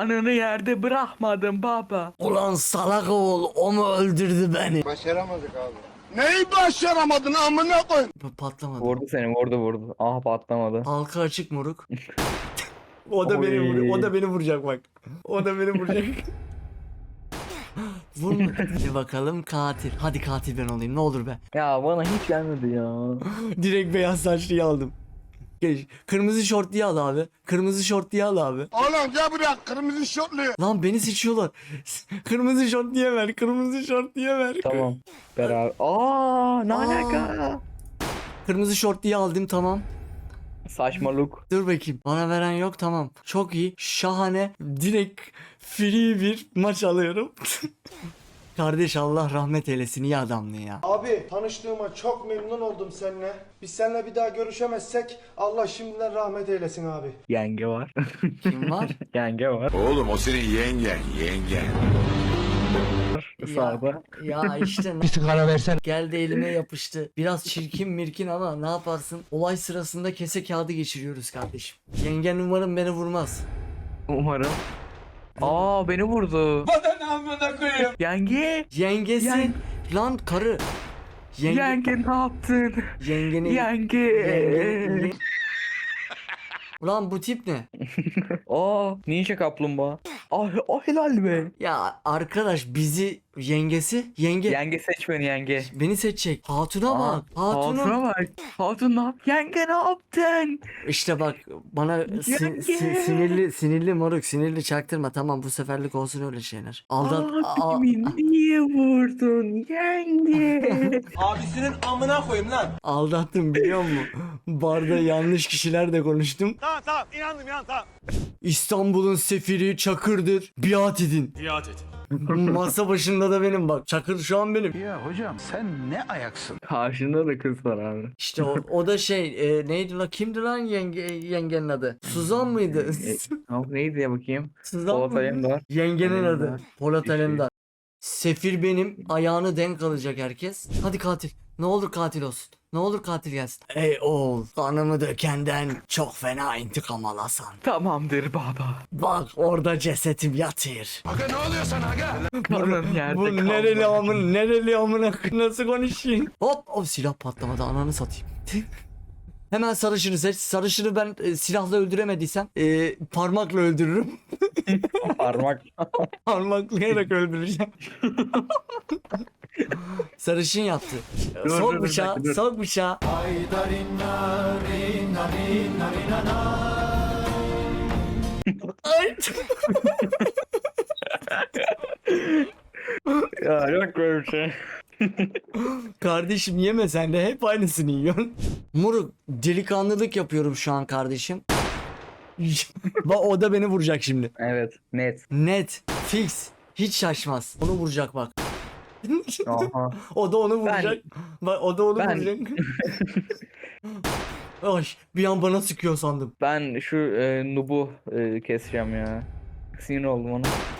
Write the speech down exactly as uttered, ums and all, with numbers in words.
Ananı yerde bırakmadım baba. Ulan salak oğul, o mu öldürdü beni? Başaramadık abi. Neyi başaramadın amına koy? Bu patlamadı. Vurdu seni, vurdu vurdu. Ah, patlamadı. Halka açık moruk. O da beni Oy. vuruyor. O da beni vuracak bak. O da beni vuracak. Vurma. Hadi bakalım katil. Hadi katil ben olayım ne olur be. Ya bana hiç gelmedi ya. Direkt beyaz saçlıyı aldım. Geç. Kırmızı şortluyu al abi. Kırmızı şortluyu al abi. Oğlum gel buraya kırmızı şortlu. Lan beni seçiyorlar. Kırmızı şortluya ver. Kırmızı şortluya ver. Tamam. Beraber. Aa, ne Aa. alaka? Kırmızı şortluyu aldım tamam. Saçmalık. Dur bakayım. Bana veren yok tamam. Çok iyi. Şahane. Direkt free bir maç alıyorum. Kardeş Allah rahmet eylesin. İyi adamdı ya. Abi tanıştığıma çok memnun oldum seninle. Biz seninle bir daha görüşemezsek Allah şimdiden rahmet eylesin abi. Yenge var. Kim var? Yenge var. Oğlum o senin yengen, yengen. Sağda. Ya işte bir sigara versen. Geldi elime yapıştı. Biraz çirkin mirkin ama ne yaparsın? Olay sırasında kese kağıdı geçiriyoruz kardeşim. Yengen umarım beni vurmaz. Umarım. Aa, beni vurdu. Bana amına koyayım. Yenge. Yengesi. Yen- Lan karı. Yenge. Yenge ne yaptın? Yengeni. Yenge. Yenge- Ulan bu tip ne? Aa, ninja kaplumbağa. Ah, ah helal be. Ya arkadaş bizi yengesi yenge Yenge seç beni, yenge. beni seçecek. Hatuna Aa, bak. Hatuna. Hatuna bak. Hatun ne yap? Yenge ne yaptın? İşte bak bana sin- Yenge. sin- sinirli sinirli moruk sinirli çaktırma tamam bu seferlik olsun öyle şeyler. Aldat a- Abimi niye vurdun yenge? Abisinin amına koyayım lan. aldattım biliyor musun? Barda yanlış kişilerle konuştum. Tamam tamam inandım inandım tamam. İstanbul'un sefiri Çakır'dır. Biat edin. Biat et. Masa başında da benim bak. Çakır şu an benim. Ya hocam sen ne ayaksın? Karşında da kız var abi. İşte o, o da şey e, neydi la kimdi lan yenge, yengenin adı? Suzan mıydı? E, tamam, neydi ya bakayım? Suzan Polat mı? Alemdar. Yengenin adı. Alemdar. Polat Bir şey. Alemdar. Sefir benim. Ayağını denk alacak herkes. Hadi katil. Ne olur katil olsun. Ne olur katil gelsin. Ey oğul. Kanımı dökenden çok fena intikam alasan. Tamamdır baba. Bak orada cesetim yatır. Aga ne oluyor sana aga? Kanın yerde Bu kalmadı. nereli amın nereli amına nasıl konuşayım? Hop o silah patlamadı ananı satayım. Hemen sarışını seç. Sarışını ben e, silahla öldüremediysem e, parmakla öldürürüm. Parmak. Parmaklayarak öldüreceğim. Sarışın yaptı. Dur, Sok dur, bıçağı, dur, dur. sok bıçağı. Ay. Ya yok böyle bir şey. Kardeşim yeme sen de hep aynısını yiyorsun. Moruk delikanlılık yapıyorum şu an kardeşim. Bak o da beni vuracak şimdi. Evet, net. Net, fix, hiç şaşmaz. Onu vuracak bak. Aha. O da onu vuracak. Bak o da onu Ben- vuracak. Ay bir an bana sıkıyor sandım. Ben şu e, Nub'u e, keseceğim ya. Sinir oldum ona.